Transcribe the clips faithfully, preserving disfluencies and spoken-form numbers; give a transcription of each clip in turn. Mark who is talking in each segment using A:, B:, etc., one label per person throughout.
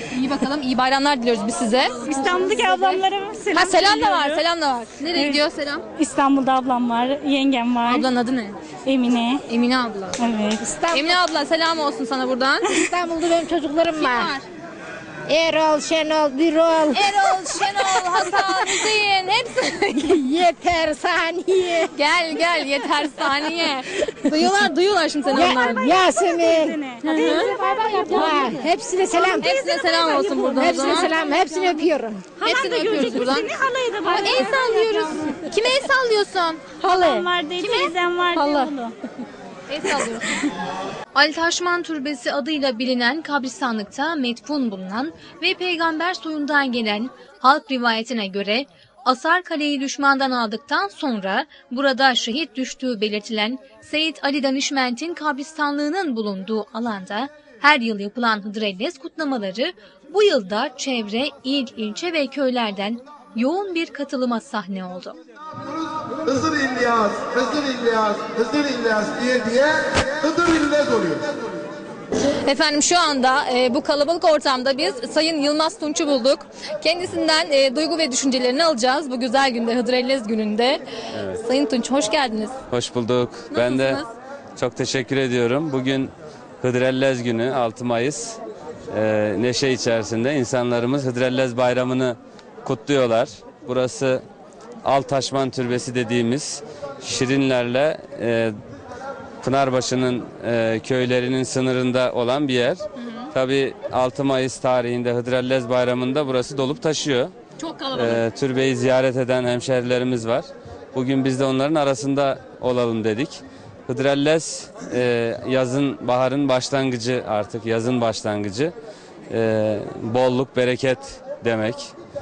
A: İyi bakalım. İyi bayramlar diliyoruz biz size.
B: İstanbul'daki ablamlara selam
A: Ha selam da var.
B: söylüyorum.
A: Selam da var. Nereye
B: Evet.
A: gidiyor selam?
B: İstanbul'da ablam var, yengem var.
A: Ablanın adı ne?
B: Emine.
A: Emine abla.
B: Evet.
A: Emine abla selam olsun sana buradan.
C: İstanbul'da benim çocuklarım
A: Kim
C: var.
A: var?
C: Erol, Şenol, Birol.
A: Erol, Şenol, Hasan, Hüseyin hepsi.
C: Yeter saniye.
A: Gel gel yeter saniye. Duyuyorlar duyuyorlar şimdi seni onlar.
C: Yasemin.
A: Hı hı.
C: Ha, hepsine selam.
A: Hepsine selam olsun buradan o
C: Hepsine
A: zaman.
C: selam. Hepsini öpüyorum.
A: Hepsini öpüyoruz buradan.
B: Seni halaya da
A: Aa,
B: var.
A: el sallıyoruz. Kime el sallıyorsun?
B: Halam var diye, teyzem var diye
C: Hala.
B: oğlu.
A: El sallıyoruz. Ali Taşman Türbesi adıyla bilinen kabristanlıkta metfun bulunan ve peygamber soyundan gelen halk rivayetine göre Asar Kale'yi düşmandan aldıktan sonra burada şehit düştüğü belirtilen Seyit Ali Danişment'in kabristanlığının bulunduğu alanda her yıl yapılan Hıdrellez kutlamaları bu yılda çevre, il, ilçe ve köylerden yoğun bir katılıma sahne oldu.
D: Hızır İlyas, Hızır İlyas, Hızır İlyas diye diye Hızır İlyas oluyor.
A: Efendim şu anda e, bu kalabalık ortamda biz Sayın Yılmaz Tunç'u bulduk. Kendisinden e, duygu ve düşüncelerini alacağız bu güzel günde, Hıdrellez gününde.
E: Evet.
A: Sayın Tunç hoş geldiniz.
E: Hoş bulduk. Ben de çok teşekkür ediyorum. Bugün Hıdrellez günü, altı Mayıs. Ee, neşe içerisinde insanlarımız Hıdrellez bayramını kutluyorlar. Burası Altaşman Türbesi dediğimiz Şirinlerle e, Pınarbaşı'nın e, köylerinin sınırında olan bir yer. Tabii altı Mayıs tarihinde Hıdrellez bayramında burası dolup taşıyor.
A: Çok kalabalık.
E: Ee, türbeyi ziyaret eden hemşerilerimiz var. Bugün biz de onların arasında olalım dedik. Hıdrellez e, yazın, baharın başlangıcı, artık yazın başlangıcı. E, bolluk, bereket demek.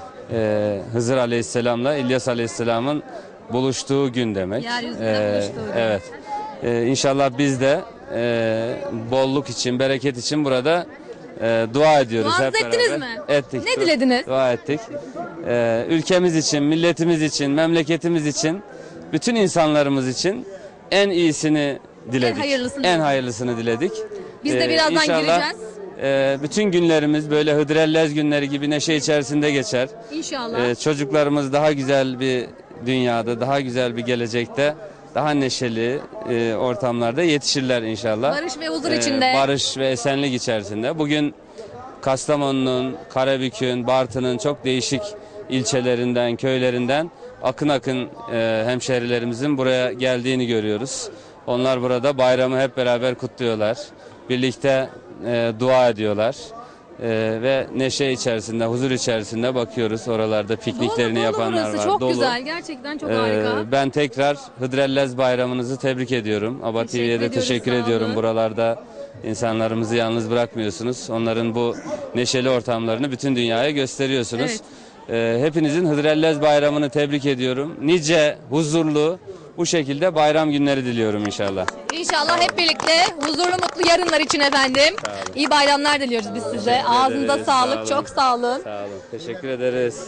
E: E, Hızır Aleyhisselam'la İlyas Aleyhisselam'ın buluştuğu gün demek.
A: Yeryüzünde buluştuğu gün.
E: Evet. E, İnşallah biz de e, bolluk için, bereket için burada e, dua ediyoruz
A: Duanızı
E: hep beraber.
A: ettiniz mi?
E: Ettik.
A: Ne
E: Du-
A: dilediniz?
E: Dua ettik. E, ülkemiz için, milletimiz için, memleketimiz için, bütün insanlarımız için en iyisini diledik.
A: En hayırlısını
E: En
A: diledik.
E: hayırlısını diledik.
A: Biz de
E: E,
A: birazdan
E: inşallah,
A: gireceğiz.
E: e, bütün günlerimiz böyle Hıdrellez günleri gibi neşe içerisinde geçer.
A: İnşallah.
E: Ee, çocuklarımız daha güzel bir dünyada, daha güzel bir gelecekte, daha neşeli e, ortamlarda yetişirler inşallah.
A: Barış ve huzur
E: Ee,
A: içinde.
E: Barış ve esenlik içerisinde. Bugün Kastamonu'nun, Karabük'ün, Bartın'ın çok değişik ilçelerinden, köylerinden akın akın e, hemşehrilerimizin buraya geldiğini görüyoruz. Onlar burada bayramı hep beraber kutluyorlar. Birlikte e, dua ediyorlar. Ee, ve neşe içerisinde, huzur içerisinde bakıyoruz. Oralarda pikniklerini
A: Dolu, dolu
E: yapanlar
A: burası.
E: var.
A: Çok
E: Dolu.
A: güzel. Gerçekten çok
E: Ee,
A: harika.
E: Ben tekrar Hıdrellez bayramınızı tebrik ediyorum. Aba
A: Teşekkür
E: T V'ye de
A: ediyoruz,
E: teşekkür
A: sağ
E: ediyorum.
A: olun.
E: Buralarda insanlarımızı yalnız bırakmıyorsunuz. Onların bu neşeli ortamlarını bütün dünyaya gösteriyorsunuz. Ee, hepinizin Hıdrellez bayramını tebrik ediyorum. Nice, huzurlu, bu şekilde bayram günleri diliyorum inşallah.
A: İnşallah hep birlikte huzurlu mutlu yarınlar için efendim. İyi bayramlar diliyoruz biz size. Ağzınıza
E: ederiz,
A: sağlık.
E: sağ olun.
A: Çok sağ olun.
E: Sağ olun. Teşekkür ederiz.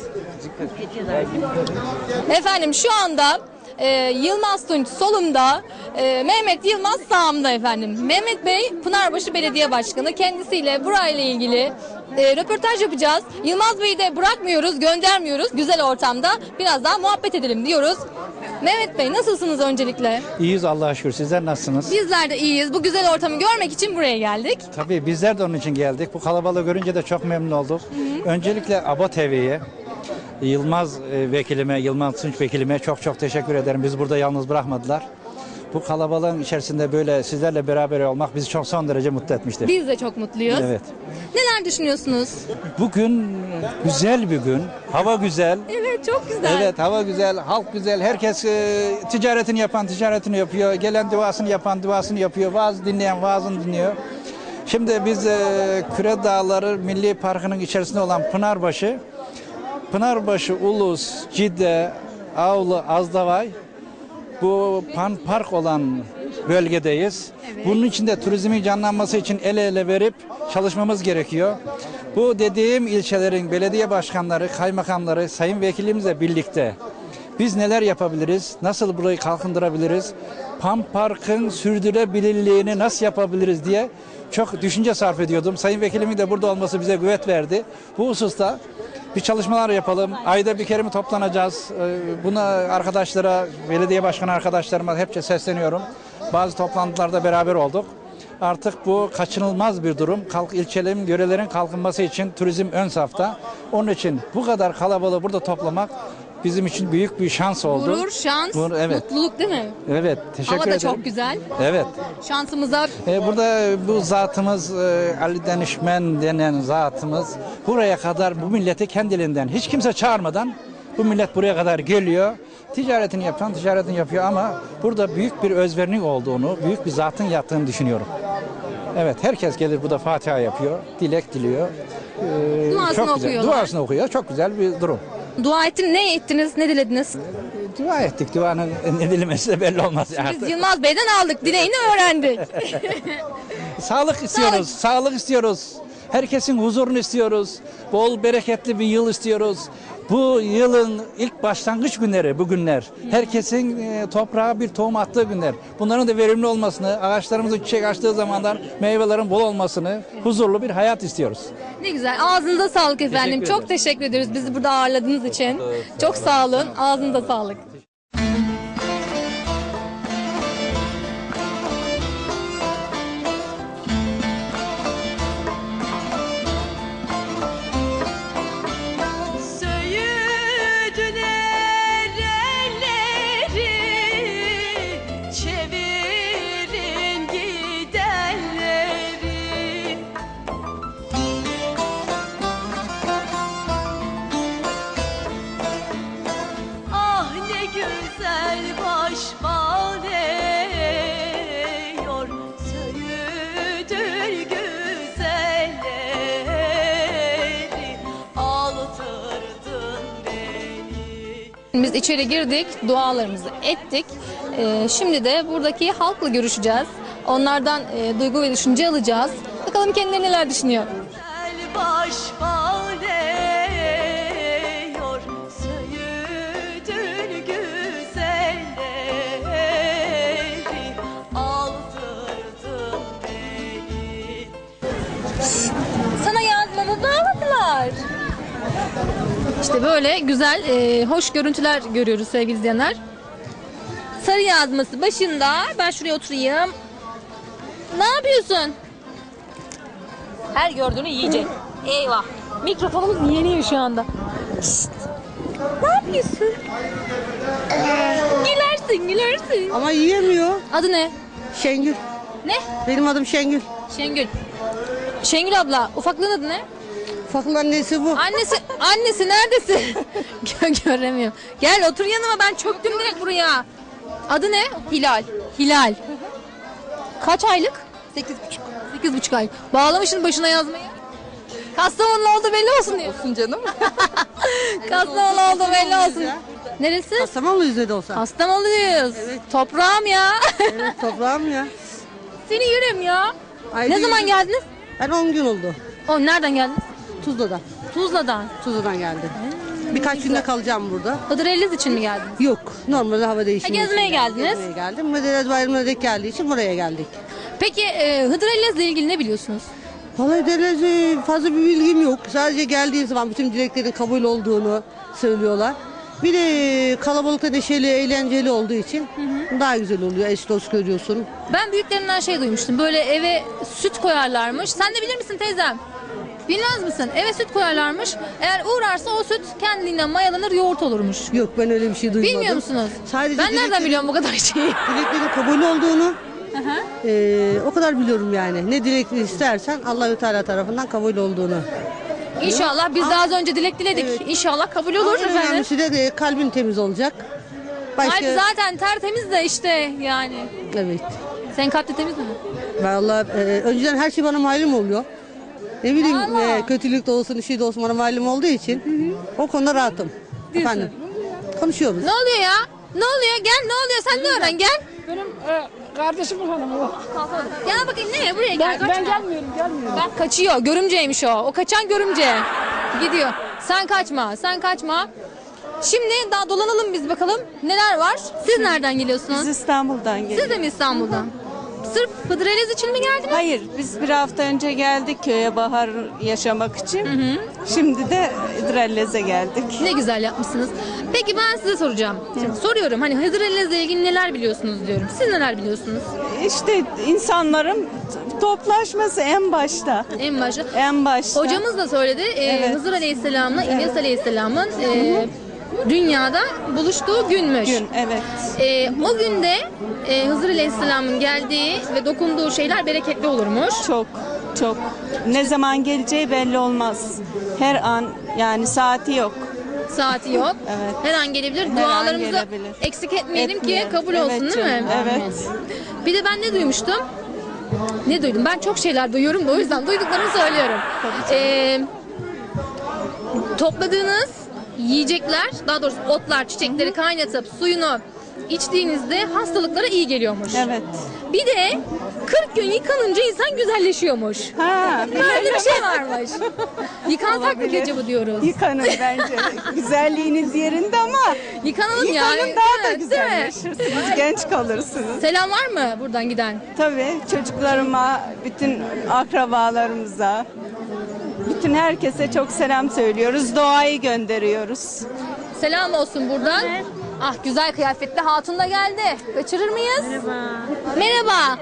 A: Efendim şu anda e, Yılmaz Tunç solumda, e, Mehmet Yılmaz sağımda efendim. Mehmet Bey Pınarbaşı Belediye Başkanı. Kendisiyle burayla ilgili e, röportaj yapacağız. Yılmaz Bey'i de bırakmıyoruz, göndermiyoruz. Güzel ortamda biraz daha muhabbet edelim diyoruz. Mehmet Bey nasılsınız öncelikle?
F: İyiyiz Allah'a şükür. Sizler nasılsınız?
A: Bizler de iyiyiz. Bu güzel ortamı görmek için buraya geldik.
F: Tabii bizler de onun için geldik. Bu kalabalığı görünce de çok memnun olduk. Öncelikle Aba T V'ye, Yılmaz e, vekilime, Yılmaz Tunç vekilime çok çok teşekkür ederim. Bizi burada yalnız bırakmadılar. Bu kalabalığın içerisinde böyle sizlerle beraber olmak bizi çok son derece mutlu etmiştir.
A: Biz de çok mutluyuz.
F: Evet.
A: Neler düşünüyorsunuz?
F: Bugün güzel bir gün. Hava güzel.
A: Evet çok güzel.
F: Evet, hava güzel, halk güzel. Herkes e, ticaretini yapan ticaretini yapıyor. Gelen duasını yapan duasını yapıyor. Vaaz dinleyen vaazını dinliyor. Şimdi biz e, Küre Dağları Milli Parkı'nın içerisinde olan Pınarbaşı, Pınarbaşı, Ulus, Cide, Avlı, Azdavay, bu pan park olan bölgedeyiz. Bunun için de turizmin canlanması için el ele verip çalışmamız gerekiyor. Bu dediğim ilçelerin belediye başkanları, kaymakamları, sayın vekilimizle birlikte biz neler yapabiliriz, nasıl burayı kalkındırabiliriz, Pan Park'ın sürdürülebilirliğini nasıl yapabiliriz diye çok düşünce sarf ediyordum. Sayın Vekilimin de burada olması bize güvet verdi. Bu hususta bir çalışmalar yapalım. Ayda bir kere mi toplanacağız? Ee, Buna arkadaşlara, belediye başkanı arkadaşlarıma hepçe sesleniyorum. Bazı toplantılarda beraber olduk. Artık bu kaçınılmaz bir durum. Kalk, ilçelerin, yörelerin kalkınması için turizm ön safta. Onun için bu kadar kalabalığı burada toplamak bizim için büyük bir şans oldu.
A: Gurur, şans,
F: Gurur, evet.
A: mutluluk değil mi?
F: Evet, teşekkür
A: Hava da
F: ederim.
A: çok güzel.
F: Evet.
A: Şansımıza
F: Ee, burada bu zatımız e, Ali Danışmen denen zatımız buraya kadar bu milleti kendiliğinden hiç kimse çağırmadan bu millet buraya kadar geliyor. Ticaretini yapan ticaretini yapıyor ama burada büyük bir özverinin olduğunu, büyük bir zatın yattığını düşünüyorum. Evet, herkes gelir burada Fatiha yapıyor, dilek diliyor. Ee,
A: Duasını
F: çok güzel.
A: okuyorlar.
F: Duasını okuyor. Çok güzel bir durum.
A: dua ettin, ne ettiniz, ne dilediniz?
F: Dua ettik. Duanın ne dilemesi de belli olmaz.
A: Biz
F: artık.
A: Yılmaz Bey'den aldık, dileğini öğrendik.
F: Sağlık istiyoruz, sağlık istiyoruz. Herkesin huzurunu istiyoruz. Bol bereketli bir yıl istiyoruz. Bu yılın ilk başlangıç günleri bu günler. Herkesin e, toprağa bir tohum attığı günler. Bunların da verimli olmasını, ağaçlarımızın çiçek açtığı zamanlar meyvelerin bol olmasını, huzurlu bir hayat istiyoruz.
A: Ne güzel. Ağzınıza sağlık efendim.
F: Teşekkür
A: Çok
F: ederim.
A: teşekkür ediyoruz bizi burada ağırladığınız için. Çok sağ olun. Ağzınıza sağlık.
G: Söğüdüler elleri, çevirin gidenleri. Ah ne güzel baş bağlıyor, söğüdül güzelleri, aldırdın beni.
A: Biz içeri girdik, dualarımızı ettik. Ee, şimdi de buradaki halkla görüşeceğiz. Onlardan e, duygu ve düşünce alacağız. Bakalım kendileri neler düşünüyor.
G: Güzel baş bağlıyor, söğüdül güzelleri, aldırdın beni.
A: Sana yazmamı bağladılar. İşte böyle güzel, e, hoş görüntüler görüyoruz sevgili izleyenler. Sarı yazması başında. Ben şuraya oturayım. Ne yapıyorsun? Her gördüğünü yiyecek. Eyvah. Mikrofonumuz yeniyor şu anda. Şşt. Ne yapıyorsun? Gülersin, gülersin.
H: Ama yiyemiyor.
A: Adı ne?
H: Şengül.
A: Ne?
H: Benim adım Şengül.
A: Şengül. Şengül abla, ufaklığın adı ne?
H: Ufakın annesi bu.
A: Annesi, annesi neredesin? Gö- Göremiyorum. Gel otur yanıma, ben çöktüm direkt buraya. Adı ne? Hilal. Hilal. Kaç aylık? Sekiz buçuk. Sekiz buçuk ay. Bağlamışsın başına yazmayı. Kastamonlu oldu belli olsun diyor.
H: Olsun canım.
A: Kastamonlu oldu belli olsun. Neresi?
H: Kastamonlu yüzde olsa.
A: Kastamonluyuz. Toprağım ya.
H: Evet toprağım ya.
A: Seni yürüm ya.
H: Ayda
A: Ne zaman
H: yüzde-
A: geldiniz?
H: Ben on gün oldu.
A: O nereden geldiniz?
H: Tuzla'dan.
A: Tuzla'dan.
H: Tuzla'dan geldim. Birkaç günde kalacağım burada.
A: Hıdrellez için mi geldiniz?
H: Yok. Normalde hava değişimi.
A: Ha, gezmeye
H: için
A: geldiniz.
H: Gezmeye geldim. Medeniyet Bayramı'na denk geldiği için buraya geldik.
A: Peki e, Hıdrellez'le ilgili ne biliyorsunuz?
H: Vallahi derece fazla bir bilgim yok. Sadece geldiği zaman bütün dileklerin kabul olduğunu söylüyorlar. Bir de kalabalıkta neşeli, eğlenceli olduğu için daha güzel oluyor. Eş dost görüyorsun.
A: Ben büyüklerimden şey duymuştum. Böyle eve süt koyarlarmış. Sen de bilir misin teyzem? Bilmez misin? Eve süt koyarlarmış. Eğer uğrarsa o süt kendiliğinden mayalanır, yoğurt olurmuş.
H: Yok ben öyle bir şey duymadım.
A: Bilmiyor musunuz?
H: Sadece
A: Ben nereden
H: dileklerin-
A: biliyorum bu kadar şeyi?
H: Dileklerin kabul olduğunu eee, o kadar biliyorum yani. Ne dilek istersen Allahü Teala tarafından kabul olduğunu.
A: İnşallah biz de az önce dilek diledik.
H: Evet.
A: İnşallah kabul olur
H: En
A: efendim.
H: önemlisi de e, kalbin temiz olacak. Başka...
A: Kalp zaten tertemiz de işte yani.
H: Evet.
A: Senin kalp de temiz mi?
H: Vallahi e, önceden her şey bana malum oluyor. Ne bileyim
A: Allah.
H: e, kötülük de olsun, şey de olsun bana malum olduğu için o konuda rahatım. Efendim. Konuşuyoruz.
A: Ne oluyor ya? Ne oluyor? Gel, ne oluyor? Sen de öğren, gel.
C: Benim e, kardeşimin hanımı o.
A: Gel bakayım nereye? Buraya gel.
C: Ben, ben
A: kaçma.
C: gelmiyorum, gelmiyorum.
A: Bak kaçıyor. Görümceymiş o. O kaçan görümce. Gidiyor. Sen kaçma. Sen kaçma. Şimdi daha dolanalım biz bakalım. Neler var? Siz nereden geliyorsunuz?
B: Biz İstanbul'dan geliyoruz.
A: Siz de mi İstanbul'dan? Sırf Hıdrellez için mi geldiniz?
I: Hayır, biz bir hafta önce geldik köye bahar yaşamak için. Şimdi de Hıdrellez'e geldik.
A: Ne güzel yapmışsınız. Peki ben size soracağım. Şimdi soruyorum hani Hıdrellez'le ilgili neler biliyorsunuz diyorum. Siz neler biliyorsunuz?
I: İşte insanların toplaşması en başta.
A: En başta.
I: En başta.
A: Hocamız da söyledi. Ee,
I: Evet.
A: Hızır Aleyhisselam'la İlyas Aleyhisselam'ın e, dünyada buluştuğu günmüş.
I: Gün, evet.
A: E, o günde e, Hızır Aleyhisselam'ın geldiği ve dokunduğu şeyler bereketli olurmuş.
I: Çok, çok. Ne zaman geleceği belli olmaz. Her an, yani saati yok.
A: Saati yok.
I: Evet.
A: Her an gelebilir.
I: Her an
A: Dualarımızı
I: gelebilir.
A: eksik etmeyelim
I: Etmeyelim.
A: ki kabul
I: Evet
A: olsun değil
I: canım,
A: mi?
I: evet.
A: Bir de ben ne duymuştum? Ne duydum? Ben çok şeyler duyuyorum da o yüzden duyduklarımı söylüyorum. Ee, topladığınız yiyecekler, daha doğrusu otlar, çiçekleri kaynatıp suyunu içtiğinizde hastalıklara iyi geliyormuş.
I: Evet.
A: Bir de kırk gün yıkanınca insan güzelleşiyormuş.
I: Ha,
A: Böyle bir şey varmış. Yıkansak mı
I: Olabilir.
A: acaba diyoruz?
I: Yıkanın bence. Güzelliğiniz yerinde ama
A: Yıkanalım ya.
I: yıkanın daha da
A: Değil mi?
I: güzelleşirsiniz. Genç kalırsınız.
A: Selam var mı buradan giden?
I: Tabii çocuklarıma, bütün akrabalarımıza, bütün herkese çok selam söylüyoruz. Doğayı gönderiyoruz.
A: Selam olsun buradan. Ah güzel kıyafetli hatun da geldi. Kaçırır mıyız? Merhaba. Merhaba.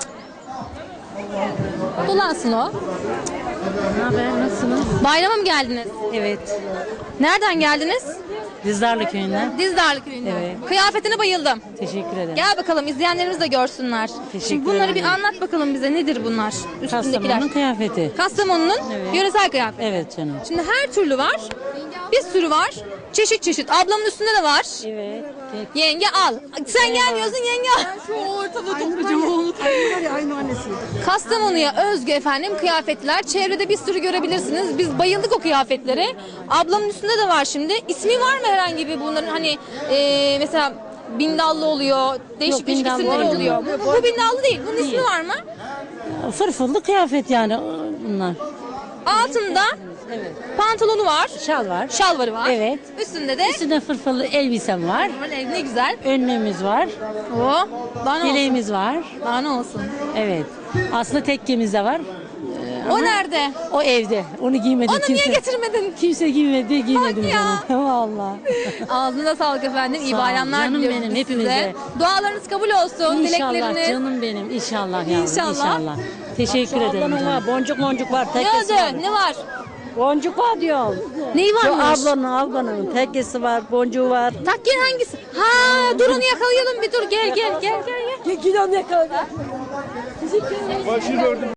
A: Dolansın o.
J: Ne haber, nasılsınız?
A: Bayrama mı geldiniz?
J: Evet,
A: Nereden geldiniz?
J: Dizdarlı köyünden.
A: Dizdarlı köyünden.
J: Evet.
A: Kıyafetine bayıldım.
J: Teşekkür ederim.
A: Gel bakalım izleyenlerimiz de görsünler.
J: Teşekkür
A: Şimdi bunları bir
J: ederim.
A: anlat bakalım bize. Nedir bunlar? Üstündekiler.
J: Kastamonu'nun kıyafeti.
A: Kastamonu'nun
J: Evet.
A: yöresel kıyafeti.
J: Evet canım.
A: Şimdi her türlü var. Bir sürü var. Çeşit çeşit. Ablamın üstünde de var.
J: Evet.
A: Yenge al. Sen gelmiyorsun yenge al. Şu ortada toplayacağım oğlum. Kastamonu'ya özgü efendim kıyafetler. Çevrede bir sürü görebilirsiniz. Biz bayıldık o kıyafetlere. Ablamın üstünde de var şimdi. İsmi var mı herhangi bir bunların hani e, mesela bindallı oluyor. Değişik
J: Yok,
A: değişik
J: bindallı
A: isimleri
J: değil
A: oluyor. Bu, bu bindallı değil. Bunun ismi var mı?
J: Fırfırlı kıyafet yani bunlar.
A: Altında
J: Evet.
A: pantolonu var.
J: Şal var.
A: Şalvarı var.
J: Evet.
A: Üstünde de
J: Üstünde fırfırlı elbisem var.
A: ne güzel.
J: Önlüğümüz var.
A: O. Daha ne olsun?
J: Yeleğimiz var.
A: Daha ne olsun?
J: Evet. Aslında tekkemiz de var.
A: O nerede?
J: O evde. Onu giymedim
A: Onu
J: kimse.
A: niye getirmedin?
J: Kimse giymedi, giymedim
A: Bak ya.
J: canım. Vallahi.
A: Ağzına sağlık efendim. İyi
J: Sağ ol.
A: bayramlar
J: Canım
A: diliyoruz
J: benim,
A: biz
J: hepimize.
A: size. Dualarınız kabul olsun.
J: İnşallah
A: Dilekleriniz.
J: canım benim. İnşallah yavrum.
A: İnşallah.
J: İnşallah. Teşekkür ederim canım.
K: Boncuk boncuk var,
A: Ne
K: tekkesi var.
A: oldu? Ne var?
K: Boncuk var diyorum.
A: Neyi
K: Şu
A: varmış?
K: ablanın, ablanın tekkesi var, boncuğu var.
A: Takken hangisi? Ha, dur onu yakalayalım bir dur. Gel gel gel gel. gel.
K: Gel onu yakaladı.